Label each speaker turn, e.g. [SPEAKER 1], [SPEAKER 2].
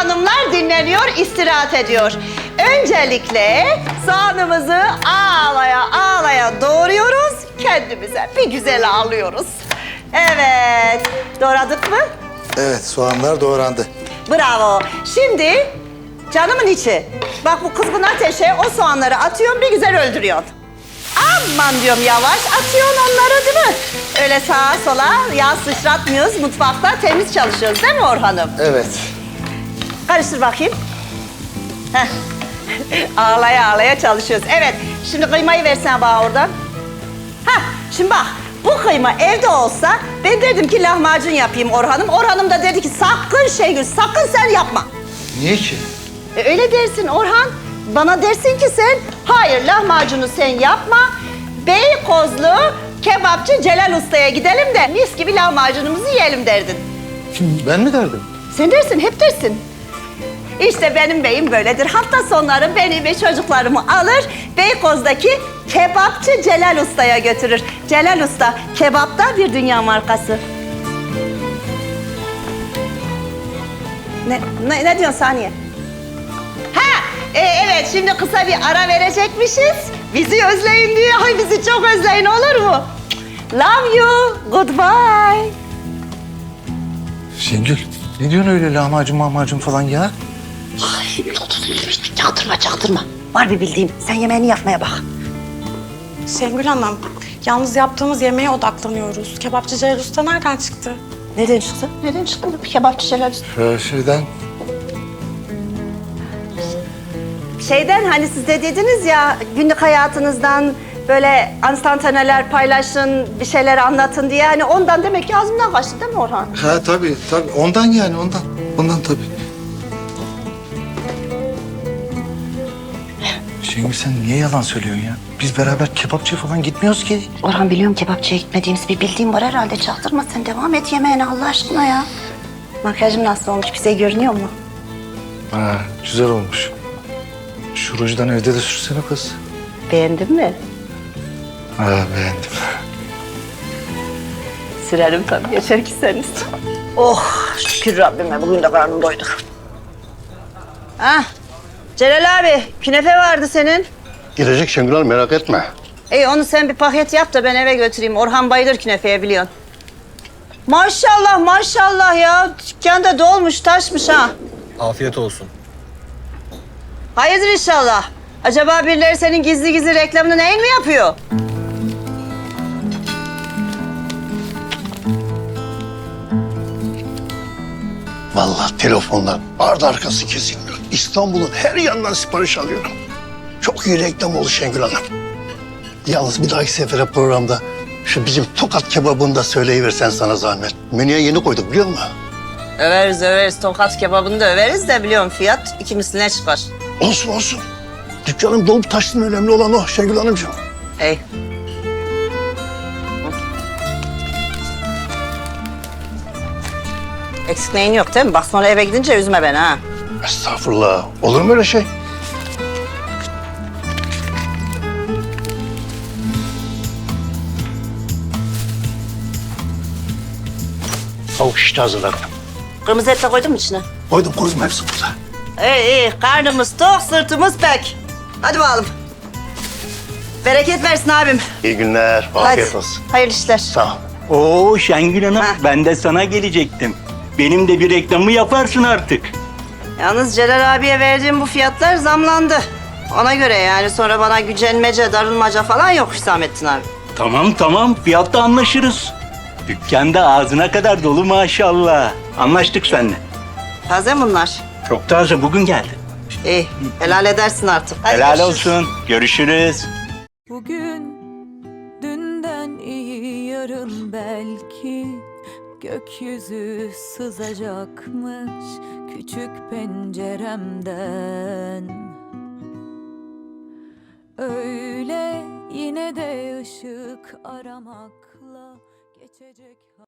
[SPEAKER 1] hanımlar dinleniyor, istirahat ediyor. Öncelikle soğanımızı ağlaya ağlaya doğruyoruz. Kendimize bir güzel ağlıyoruz. Evet, doğradık mı?
[SPEAKER 2] Evet, soğanlar doğrandı.
[SPEAKER 1] Bravo. Şimdi canımın içi. Bak bu kızgın ateşe o soğanları atıyorsun, bir güzel öldürüyorsun. Aman diyorum yavaş atıyorsun onları değil mi? Öyle sağa sola yağ sıçratmıyoruz. Mutfakta temiz çalışıyoruz değil mi Orhan'ım?
[SPEAKER 2] Evet.
[SPEAKER 1] Karıştır bakayım. Heh. Ağlaya ağlaya çalışıyoruz. Evet, şimdi kıymayı versene bana oradan. Hah, şimdi bak, bu kıyma evde olsa ben derdim ki lahmacun yapayım Orhan'ım. Orhan'ım da dedi ki sakın Şengül, sakın sen yapma.
[SPEAKER 2] Niye ki?
[SPEAKER 1] Öyle dersin Orhan. Bana dersin ki sen, hayır lahmacunu sen yapma. Beykozlu kebapçı Celal Usta'ya gidelim de mis gibi lahmacunumuzu yiyelim derdin.
[SPEAKER 2] Ben mi derdim?
[SPEAKER 1] Sen dersin, hep dersin. İşte benim beyim böyledir. Hafta sonları beni ve çocuklarımı alır, Beykoz'daki kebapçı Celal Usta'ya götürür. Celal Usta, kebapta bir dünya markası. Ne diyorsun Saniye? Evet, şimdi kısa bir ara verecekmişiz. Bizi özleyin diye. Ay bizi çok özleyin, olur mu? Love you, goodbye.
[SPEAKER 2] Şengül, ne diyorsun öyle lahmacun falan ya?
[SPEAKER 1] Çaktırma. Var bir bildiğim. Sen yemeğini yapmaya bak.
[SPEAKER 3] Şengül Hanım, yalnız yaptığımız yemeğe odaklanıyoruz. Kebapçı Celal Usta nereden çıktı?
[SPEAKER 1] Neden çıktı? Neden çıktı bu kebapçı Celal Usta? Şeyden hani siz de dediniz ya günlük hayatınızdan böyle enstantaneler paylaşın, bir şeyler anlatın diye. Hani ondan demek ki ağzımdan kaçtı değil mi Orhan?
[SPEAKER 2] Ha tabii. Ondan yani, ondan. Ondan tabii. Şengül sen niye yalan söylüyorsun ya? Biz beraber kebapçıya falan gitmiyoruz ki.
[SPEAKER 1] Orhan biliyorum kebapçıya gitmediğimiz bir bildiğim var herhalde. Çaktırma sen devam et yemeğine Allah aşkına ya. Makyajım nasıl olmuş bize görünüyor mu?
[SPEAKER 2] Ha, güzel olmuş. Şu rujdan evde de sürsene kız.
[SPEAKER 1] Beğendin mi?
[SPEAKER 2] Ha, beğendim.
[SPEAKER 1] Sürerim tabii yeter ki sen iste. Oh şükür Rabbime bugün de karnım doydu. Ah Celal abi künefe vardı senin.
[SPEAKER 4] Girecek Şengül Hanım, merak etme.
[SPEAKER 1] İyi onu sen bir paket yap da ben eve götüreyim. Orhan bayılır künefeye biliyorsun. Maşallah ya. Dükkan da dolmuş taşmış ha.
[SPEAKER 5] Afiyet olsun.
[SPEAKER 1] Hayırdır inşallah. Acaba birileri senin gizli gizli reklamını neyin mi yapıyor?
[SPEAKER 4] Vallahi telefonlar ardı arkası kesilmiyor. İstanbul'un her yanından sipariş alıyorum. Çok iyi reklam oldu Şengül Hanım. Yalnız bir dahaki sefere programda şu bizim Tokat kebabını da söyleyiversen sana zahmet. Menüye yeni koyduk biliyor musun?
[SPEAKER 1] Överiz. Tokat kebabını da överiz de biliyorum fiyat iki misline çıkar.
[SPEAKER 4] Olsun. Dükkanım dolup taşsın, önemli olan o Şengül Hanımcığım.
[SPEAKER 1] Hey. Eksik neyin yok değil mi? Bak sonra eve gidince üzme beni ha.
[SPEAKER 4] Estağfurullah. Olur mu öyle şey? Tavuk şişte hazırladım.
[SPEAKER 1] Kırmızı et de koydun mu içine?
[SPEAKER 4] Koydum hepsi burada.
[SPEAKER 1] İyi. Karnımız tok, sırtımız pek. Hadi bakalım. Bereket versin abim.
[SPEAKER 4] İyi günler, afiyet
[SPEAKER 1] Hadi.
[SPEAKER 4] olsun.
[SPEAKER 1] Hayırlı işler.
[SPEAKER 4] Sağ ol.
[SPEAKER 6] Oo Şengül Hanım,
[SPEAKER 1] Ha.
[SPEAKER 6] ben de sana gelecektim. Benim de bir reklamı yaparsın artık.
[SPEAKER 1] Yalnız Celal abiye verdiğim bu fiyatlar zamlandı. Ona göre yani sonra bana gücenmece, darılmaca falan yok Hüsamettin abi.
[SPEAKER 6] Tamam, fiyatta anlaşırız. Dükkanda ağzına kadar dolu maşallah. Anlaştık seninle.
[SPEAKER 1] Taze bunlar.
[SPEAKER 6] Çok taze, bugün geldi.
[SPEAKER 1] İyi, helal edersin artık. Hadi
[SPEAKER 6] Helal
[SPEAKER 1] görüşürüz.
[SPEAKER 6] olsun, görüşürüz.
[SPEAKER 7] Bugün dünden iyi yarın belki gökyüzü sızacakmış küçük penceremden. Öyle yine de ışık aramakla geçecek.